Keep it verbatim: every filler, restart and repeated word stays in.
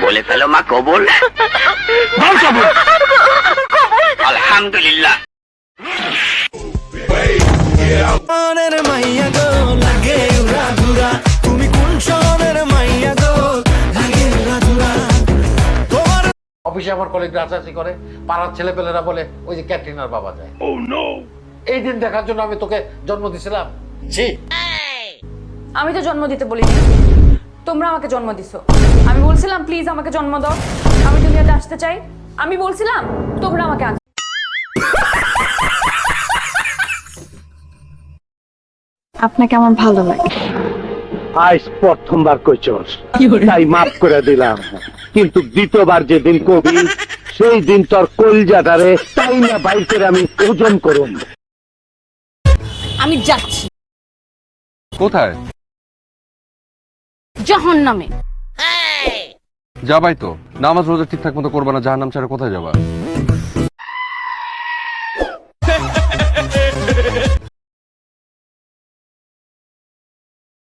বলে ফেলো মা কবুল। আলহামদুলিল্লাহ। অফিসে আমার কলিগরা আচাচি করে, পাড়ার ছেলেপেলেরা বলে ওই যে ক্যাটরিনার বাবা যায়। এই দিন দেখার জন্য আমি তোকে জন্ম দিছিলাম। জি, আমি তো জন্ম দিতে বলিনি, তোমরা আমাকে জন্ম দিছো। আমি বলছিলাম প্লিজ আমাকে জন্ম দাও, আমি দুনিয়াতে আসতে চাই। আমি বলছিলাম, তোমরা আমাকে আন। আপনাকে আমার ভালো লাগে। আজ প্রথমবার কইছস, তাই মাফ করে দিলাম, কিন্তু দ্বিতীয়বার যেদিন কবি সেই দিন তোর কলজাটারে তাই না বাইর করে আমি ওজন করুম। আমি যাচ্ছি কোথায়? জাহান্নামে। যাবাই তো, নামাজ রোজা ঠিকঠাক মতো করবা না, জাহান্নাম ছাড়া কোথায় যাবা?